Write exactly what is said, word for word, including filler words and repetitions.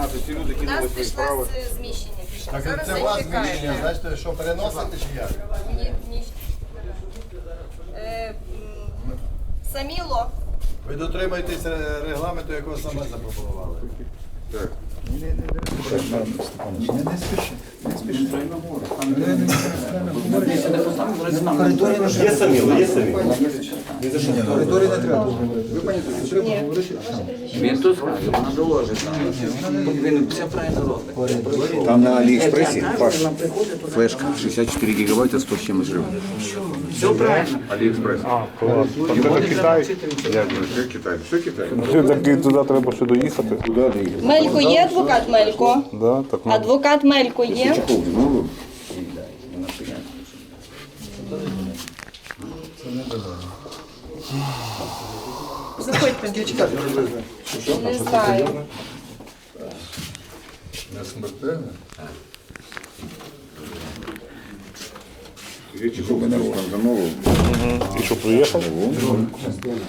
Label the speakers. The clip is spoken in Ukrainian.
Speaker 1: інформацію, ці люди
Speaker 2: У нас
Speaker 1: кинули свої
Speaker 2: пішла
Speaker 1: справи.
Speaker 2: з- зміщення. Пішла.
Speaker 3: Так
Speaker 2: Зараз
Speaker 3: це у вас
Speaker 2: зачекаємо.
Speaker 3: зміщення, значить, що переносите чи як?
Speaker 2: Ні, ні. Е, м, Саміло.
Speaker 3: Ви дотримуєтесь регламенту, якого саме запропонували.
Speaker 1: Так.
Speaker 4: Є самі, є самі.
Speaker 5: Він тут скаже, вона доложить. Він все правильно робить.
Speaker 6: Там на Алиэкспрессе, Паш,
Speaker 5: Флешка шестьдесят четыре гигабайта, сто с чем жив. Все правильно.
Speaker 1: Аліекспрес.
Speaker 7: А, клас. Там це Китай.
Speaker 1: Дякую. Все Китай. Все Китай.
Speaker 7: Все-таки туди треба ще доїхати.
Speaker 2: Мелько є адвокат Мелько?
Speaker 7: Да, так, ну.
Speaker 2: Адвокат Мелько є? Заходьте. Не знаю.
Speaker 1: Не смертельно?
Speaker 6: Речи, чтобы народ замовил.
Speaker 7: І що, приїхав?